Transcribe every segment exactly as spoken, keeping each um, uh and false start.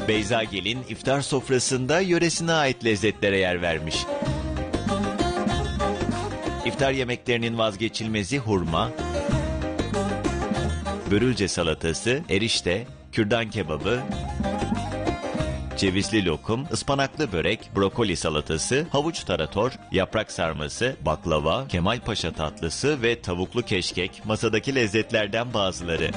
Beyza Gelin iftar sofrasında yöresine ait lezzetlere yer vermiş. İftar yemeklerinin vazgeçilmezi hurma, börülce salatası, erişte, kürdan kebabı, cevizli lokum, ıspanaklı börek, brokoli salatası, havuç tarator, yaprak sarması, baklava, Kemalpaşa tatlısı ve tavuklu keşkek masadaki lezzetlerden bazıları.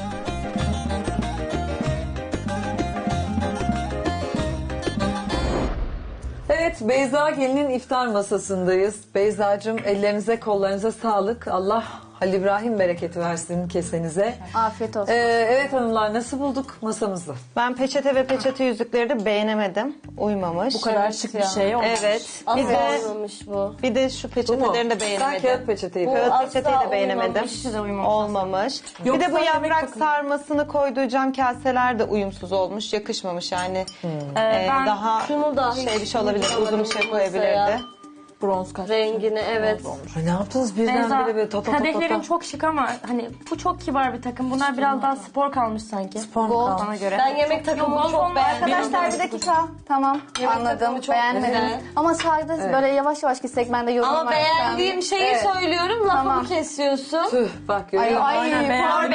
Evet, Beyza Gelin'in iftar masasındayız. Beyzacığım, ellerinize kollarınıza sağlık. Allah Halil İbrahim bereketi versin kesenize. Afiyet olsun. Ee, evet hanımlar, nasıl bulduk masamızı? Ben peçete ve peçete yüzükleri de beğenemedim. Uymamış. Bu kadar şık bir şey olmuş. Evet. Bir Asla de, olmamış bu. bir de şu Bu mu? peçetelerini de Ben beğenemedim. kağıt peçeteyi. Bu Kağıt asla peçeteyi de beğenemedim. uymamış. Olmamış. Yoksa bir de bu yemek yaprak takımı- sarmasını koyduğu cam kaseler de uyumsuz olmuş. Yakışmamış yani. Ee, ben daha şunu da şey bir hiç şey olabilir. Uzun bir şey masaya. koyabilirdi. Bronz kaç. Rengini evet. Ay, ne yaptınız birden Beyza, böyle ta ta ta ta kadehlerin ta. çok şık ama hani bu çok kibar bir takım. Bunlar biraz daha spor kalmış sanki. Spor Gold. kalmış. Bana göre. Ben yemek takımını Yok, çok olmaz. beğendim. Arkadaşlar bir dakika. Tamam anladım. takımı çok Beğenmedim. güzel. Ama sadece böyle yavaş yavaş gitsek ben de yorumlar. Ama beğendiğim şeyi Evet. söylüyorum, lafımı Tamam. kesiyorsun. Tüh, bak görüyor Ay, musun? ay, pardon.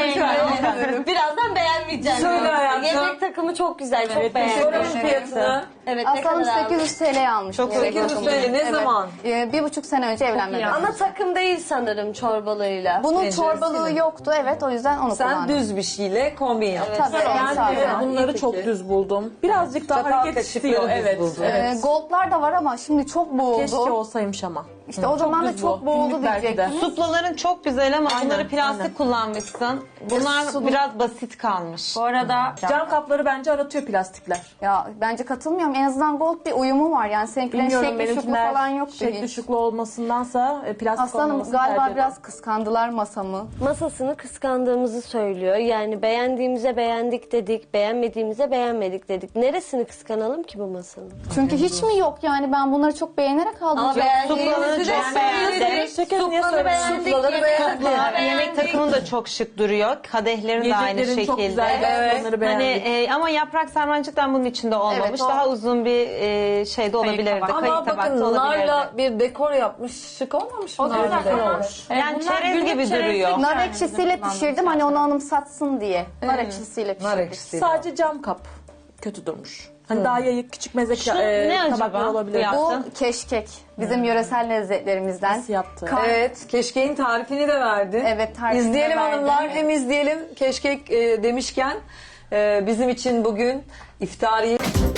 Birazdan beğenmeyeceğim. Söyle hayatım. Yemek takımı çok güzel, çok beğendim. Sorunun fiyatını. Evet, ne Aslanım kadar sekiz yüz T L almış. Çok yemek sekiz yüz takımı. T L ne Evet. zaman? Ee, bir buçuk sene önce evlenmeden. Ana takım değil sanırım çorbalığıyla. Bunun Tenceresi çorbalığı mi? yoktu, evet, o yüzden onu Sen kullandım. düz bir şeyle kombin yaptın. Tabii, Ben sadece. de bunları İyi çok fikir. düz buldum. Birazcık daha Çatal hareket kaşıkları istiyor. düz Evet. buldum. Ee, goldlar da var ama şimdi çok boğuldu. Keşke olsaymış ama. İşte o zaman da düz çok bu. boğuldu Günlük belki de. diyecektim. Suplaların çok güzel ama Aynen, bunları plastik aynen. kullanmışsın. Bunlar biraz basit kalmış. Bu arada Cam kapları bence aratıyor plastikler. Ya bence katılmıyorum. En azından gold bir uyumu var. Yani seninkilerin Bilmiyorum, şekli şuklu benimkiler falan yoktu şekli hiç. şuklu olmasındansa e, plastik Aslanım olmamasını galiba tercih ederim. biraz kıskandılar masamı. Masasını kıskandığımızı söylüyor. Yani beğendiğimize beğendik dedik, beğenmediğimize beğenmedik dedik. Neresini kıskanalım ki bu masanın? Çünkü hiç mi yok yani ben bunları çok beğenerek aldım. Ama Yok. beğendiğimizi de çok beğendim. söyledik. Şekerim niye Supları söylemedin? beğendik, Suplaları yemekleri beğendim. Yemek beğendik. takımın da çok şık duruyor. Kadehlerin de aynı Yiyeceklerin çok şekilde. güzel. Evet. Onları Hani beğendik. e, ama yaprak sarmancıktan bunun içinde olmamış. Evet, o- Daha uzun bir e, şey de olabilirdi. tabak. Kayık Ama tabak bakın da olabilirdi. narla bir dekor yapmış. Şık olmamış mı? o güzel narla? ama Yani bunlar çerez günlük gibi çerezlik duruyor. yani. Nar ekşisiyle pişirdim hani onu anımsatsın diye. Nar ekşisiyle pişirdim. Nar ekşisi. Sadece cam kap kötü durmuş. Hani daha yayık küçük meze Şu e, ne tabaklar acaba? olabilir. Ya. Bu keşkek. Bizim yöresel lezzetlerimizden. Nasıl yaptı? Evet, keşkeğin tarifini de verdi. Evet, tarifini de İzleyelim verdim. hanımlar, hem izleyelim keşkek e, demişken e, bizim için bugün iftariye...